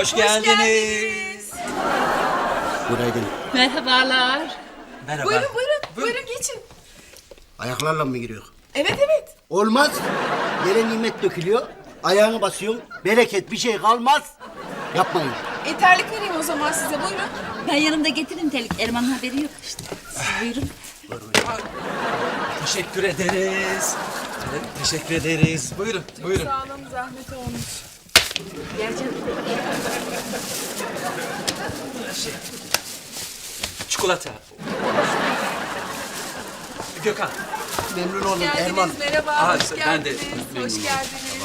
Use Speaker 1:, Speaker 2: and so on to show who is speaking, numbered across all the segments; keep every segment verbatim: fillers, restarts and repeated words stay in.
Speaker 1: Hoş geldiniz.
Speaker 2: Günaydın.
Speaker 3: Merhabalar.
Speaker 1: Merhaba.
Speaker 4: Buyurun buyurun. Buyurun geçin.
Speaker 2: Ayaklarla mı giriyor?
Speaker 4: Evet evet.
Speaker 2: Olmaz. Yere nimet dökülüyor. Ayağını basıyorsun. Bereket bir şey kalmaz. Yapmayın.
Speaker 4: E, terlik vereyim o zaman size buyurun.
Speaker 3: Ben yanımda getirin telik. Erman haberi yok işte. Siz buyurun.
Speaker 1: Teşekkür ederiz. Evet, teşekkür ederiz. Buyurun, buyurun.
Speaker 4: Sağ olun, zahmet olmuş.
Speaker 1: Çikolata. Gökhan.
Speaker 2: Memnun oldum
Speaker 4: Geldiniz,
Speaker 2: Erman.
Speaker 4: merhaba.
Speaker 1: Aa,
Speaker 4: hoş
Speaker 1: ben de
Speaker 4: geldiniz.
Speaker 1: memnun
Speaker 4: Hoş
Speaker 1: oldum.
Speaker 4: geldiniz.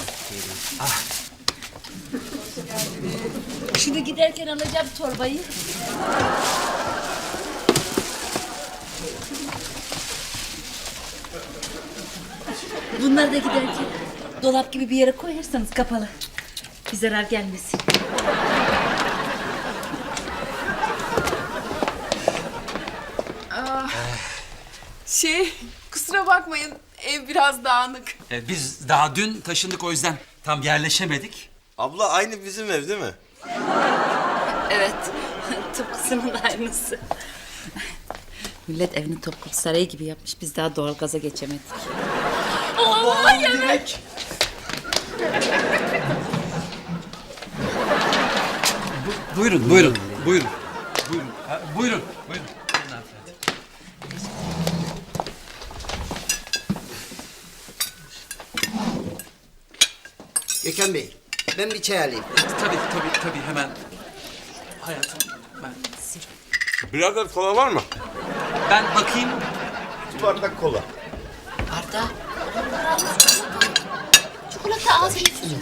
Speaker 3: Şunu giderken alacağım torbayı. Bunları da giderken dolap gibi bir yere koyarsanız kapalı. Bir zarar gelmesin.
Speaker 4: Şey, kusura bakmayın. Ev biraz dağınık.
Speaker 1: Ee, biz daha dün taşındık, o yüzden tam yerleşemedik.
Speaker 5: Abla aynı bizim ev değil mi?
Speaker 3: Evet. Tıpkısının aynısı. Millet evini Topkapı Sarayı gibi yapmış. Biz daha doğalgaza geçemedik. Allah yemek.
Speaker 1: Buyurun, buyurun, buyurun. Buyurun, ha, buyurun, buyurun. Buyurun hanımefendi.
Speaker 2: Gökhan Bey, ben bir çay alayım.
Speaker 1: Tabii, tabii, tabii hemen. Hayatım, ben...
Speaker 5: Birader kola var mı?
Speaker 1: Ben bakayım.
Speaker 5: Bir bardak kola.
Speaker 3: Arda. Çikolata ağzını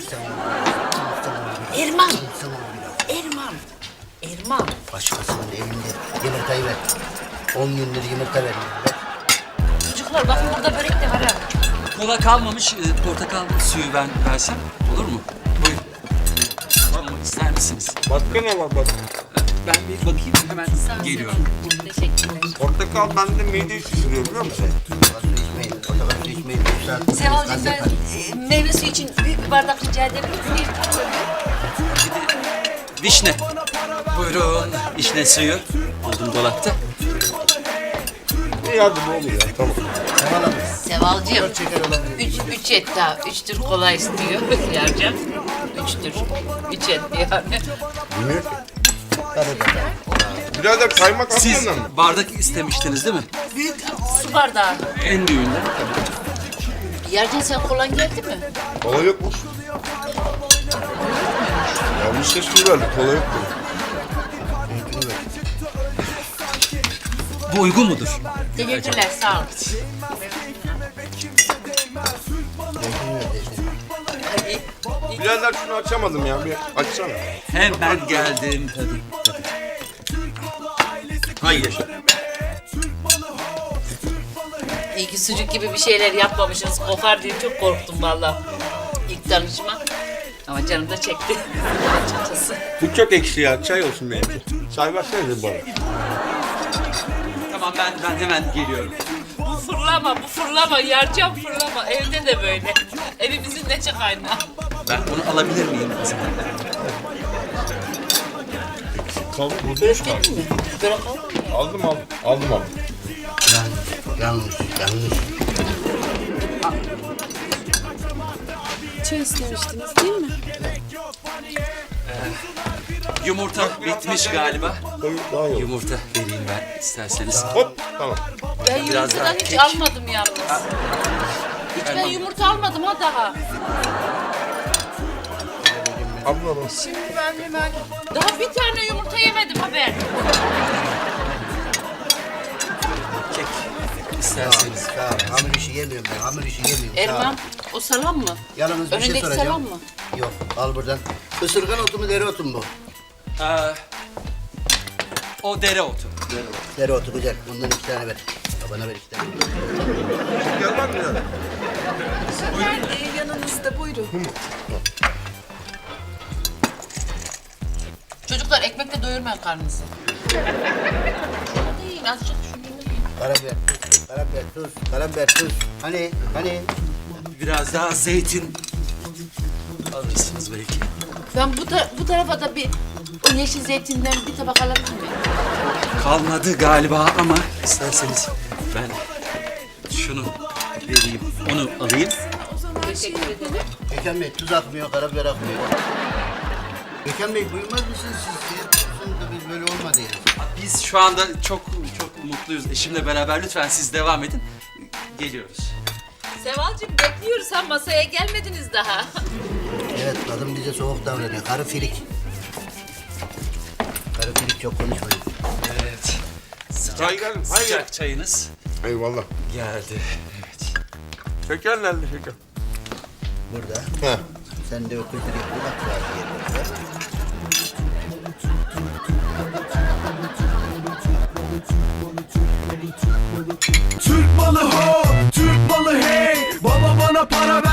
Speaker 3: Erman. Erman. Erman.
Speaker 2: Başkasının elinde yumurtayı ver. On gündür yumurta vermiyor. Ver.
Speaker 3: Çocuklar bakın burada börek de var ha.
Speaker 1: Kola kalmamış, e, portakal suyu ben versem olur mu? Buyurun. Almak ister misiniz?
Speaker 5: Başka ne var bak?
Speaker 1: Ben bir bakayım, hemen geliyorum.
Speaker 3: Teşekkürler.
Speaker 5: Portakal bende mideyi şişiriyor biliyor musun?
Speaker 2: Portakal su içmeyin. Portakal su içmeyin. Bir saat
Speaker 3: Sevalcığım
Speaker 2: gaz
Speaker 3: ben
Speaker 2: yapar.
Speaker 3: e, meyve suyu için büyük bir bardak rica edebilir miyim?
Speaker 1: Vişne. Buyurun, vişne suyu. Buldum dolapta.
Speaker 5: İyi hadi ne oluyor ya tamam.
Speaker 2: Seval Hanım.
Speaker 3: Sevalcığım.
Speaker 2: Dört şeker olabilir.
Speaker 3: Üç, üç et daha. Üç tür kola istiyor Yarcan. Üç tür. Üç et yani.
Speaker 5: Bilmiyor ki.
Speaker 2: Hadi bakalım.
Speaker 5: Birader kaymak
Speaker 1: Siz
Speaker 5: atmadın mı?
Speaker 1: bardak istemiştiniz değil mi?
Speaker 3: Büyük su bardağı.
Speaker 1: En büyüğünden.
Speaker 3: Yarcan sen kolan geldi mi?
Speaker 5: Kola yokmuş. Yanlış teşkil verdik kola yok mu?
Speaker 1: Bu uygun mudur?
Speaker 3: Teşekkürler sağ ol.
Speaker 5: Birader şunu açamadım ya bir açsana.
Speaker 1: Hemen geldim. Tabii, tabii. Hayır.
Speaker 3: İyi ki sucuk gibi bir şeyler yapmamışsınız. Kokar diye çok korktum vallahi. İlk tanışma. Ama canım da çekti. Açıkçası.
Speaker 5: Bu çok ekşi ya çay olsun benim. Çay versene bana.
Speaker 1: Tamam, ben ben hemen geliyorum.
Speaker 3: Bu fırlama, bu fırlama. Yarcan fırlama. Evde de böyle. Evimizin neçe kaynağı.
Speaker 1: Ben bunu alabilir miyim?
Speaker 5: Kaldı bozulmuş kaldı.
Speaker 3: Böyle kal.
Speaker 5: Aldım aldım. Aldım aldım.
Speaker 2: Yanlış, yanlış.
Speaker 4: Çay istemiştiniz değil mi?
Speaker 1: Yumurta bitmiş galiba.
Speaker 5: Tabii daha iyi olur.
Speaker 1: Yumurta vereyim ben isterseniz.
Speaker 5: Hop tamam.
Speaker 3: Ben
Speaker 1: Biraz daha
Speaker 3: yumurtadan hiç
Speaker 1: kek.
Speaker 3: almadım yalnız. Hiç ben
Speaker 1: Erman.
Speaker 3: yumurta almadım ha daha.
Speaker 5: Abla bak.
Speaker 4: Şimdi ben hemen...
Speaker 3: Daha bir tane yumurta yemedim haber.
Speaker 1: Kek isterseniz.
Speaker 2: Sağ ol. Hamur işi yemiyorum ben. Hamur işi yemiyorum. Sağ ol.
Speaker 3: Erman, o salam mı?
Speaker 2: Yalnız bir şey
Speaker 3: Önündeki
Speaker 2: soracağım.
Speaker 3: salam mı?
Speaker 2: Yok, al buradan. Isırgan otu mu, dereotu mu bu?
Speaker 1: Ee, o dereotu.
Speaker 2: Dereotu güzel. Bundan iki tane ver. Bana ver iki tane.
Speaker 5: Gel bak birader.
Speaker 4: Ben e, yanınızda buyurun.
Speaker 3: Çocuklar ekmekle doyurmayın karnınızı. Hadi yiyin azıcık şunu yiyin.
Speaker 2: Karabiber, tuz, karabiber, tuz, karabiber, tuz. Hani, hani?
Speaker 1: Biraz daha zeytin alırsınız belki.
Speaker 3: Ben bu, ta- bu tarafa da bir o yeşil zeytinden bir tabak alabilir miyim?
Speaker 1: Kalmadı galiba ama isterseniz ben şunu vereyim, onu alayım.
Speaker 3: Teşekkür ederim.
Speaker 2: Gökhan Bey tuz akmıyor, karabiber akmıyor. Gökhan Bey buyurmaz mısınız siz? Ya? Sonunda biz böyle olmadı yani.
Speaker 1: Biz şu anda çok çok mutluyuz. Eşimle beraber lütfen siz devam edin. Geliyoruz.
Speaker 3: Sevalcığım bekliyoruz ha, masaya gelmediniz daha.
Speaker 2: Evet, kadın bize soğuk davranıyor. Karı filik. Karı filik, çok konuşmayın.
Speaker 1: Evet.
Speaker 5: Çay geldi. Hayır.
Speaker 1: Sıcak çayınız
Speaker 5: Eyvallah.
Speaker 1: geldi. Evet.
Speaker 5: Şeker nerede şeker?
Speaker 2: Burada.
Speaker 5: He.
Speaker 2: Sen de o kültürü bir bak var diye.
Speaker 6: Türk malı ho, Türk malı hey. Baba bana para